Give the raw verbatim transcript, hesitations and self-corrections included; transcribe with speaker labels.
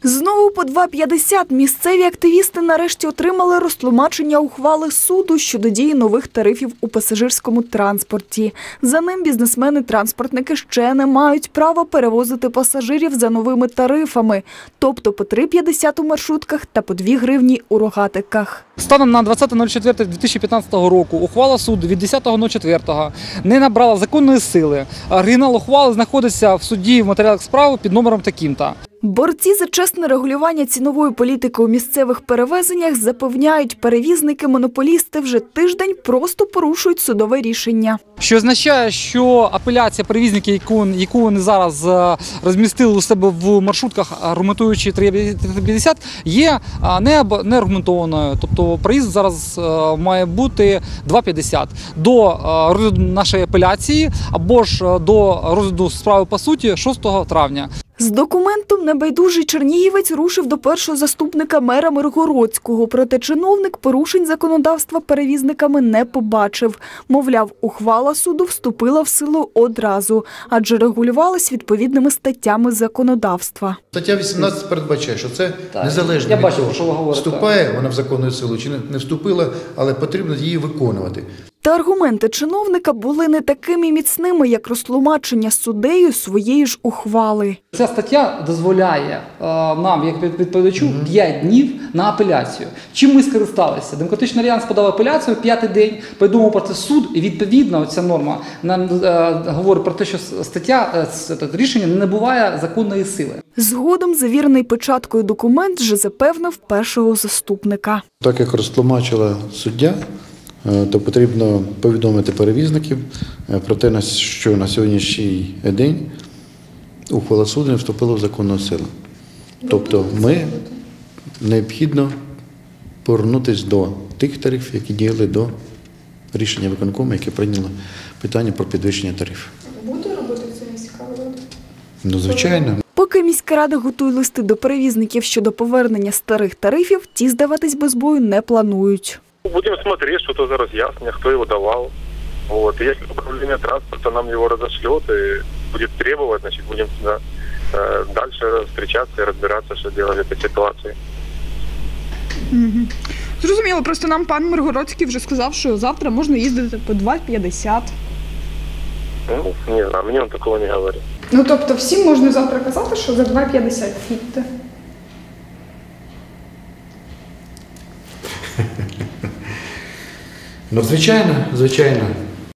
Speaker 1: Знову по два п'ятдесят місцеві активісти нарешті отримали розтлумачення ухвали суду щодо дії нових тарифів у пасажирському транспорті. За ним бізнесмени-транспортники ще не мають права перевозити пасажирів за новими тарифами, тобто по три п'ятдесят у маршрутках та по дві гривні у рогатиках.
Speaker 2: Станом на двадцяте четверте дві тисячі п'ятнадцятого року ухвала суду від десятого четвертого не набрала законної сили. Оригінал ухвали знаходиться в суді в матеріалах справи під номером таким-то.
Speaker 1: Борці за чесне регулювання цінової політики у місцевих перевезеннях запевняють, перевізники-монополісти вже тиждень просто порушують судове рішення.
Speaker 2: Що означає, що апеляція перевізників, яку, яку вони зараз розмістили у себе в маршрутках, аргументуючи три п'ятдесят, є не аргументованою. Тобто проїзд зараз має бути два п'ятдесят. До розгляду нашої апеляції або ж до розгляду справи по суті шостого травня.
Speaker 1: З документом небайдужий чернігівець рушив до першого заступника мера Миргородського. Проте чиновник порушень законодавства перевізниками не побачив. Мовляв, ухвала суду вступила в силу одразу, адже регулювалась відповідними статтями законодавства.
Speaker 3: Стаття вісімнадцять передбачає, що це незалежно від
Speaker 2: бачу,
Speaker 3: того,
Speaker 2: що ви говорите.
Speaker 3: вступає вона в законну силу чи не вступила, але потрібно її виконувати.
Speaker 1: Та аргументи чиновника були не такими міцними, як розтлумачення суддею своєї ж ухвали.
Speaker 2: Ця стаття дозволяє е, нам, як відповідачу, п'ять днів на апеляцію. Чим ми скористалися? Демократичний альянс подав апеляцію, п'ятий день, повідомив про це суд, і відповідно ця норма нам е, говорить про те, що стаття, е, рішення не набуває законної сили.
Speaker 1: Згодом завірений печаткою документ вже запевнив першого заступника.
Speaker 3: Так як розтлумачила суддя, то потрібно повідомити перевізників про те, що на сьогоднішній день ухвала суду не вступила в законну силу. Тобто ми необхідно повернутися до тих тарифів, які діяли до рішення виконкому, яке прийняло питання про підвищення тарифів.
Speaker 4: Буде робити це міська влада?
Speaker 3: Ну, звичайно.
Speaker 1: Поки міська рада готує листи до перевізників щодо повернення старих тарифів, ті здаватись без бою не планують.
Speaker 5: Будем смотреть, что это за разъяснение, кто его давал. Вот. И если управление транспорта нам его разошлет и будет требовать, значит, будем да, э, дальше встречаться и разбираться, что делать в этой ситуации.
Speaker 4: Угу. Зрозуміло, просто нам пан Миргородський вже сказав, що завтра можна їздити по два п'ятдесят.
Speaker 5: Ну, не знаю, мне он такого не говорит.
Speaker 4: Ну, тобто всім можна завтра казати, що за два п'ятдесят їдьте?
Speaker 3: Ну, звичайно, звичайно.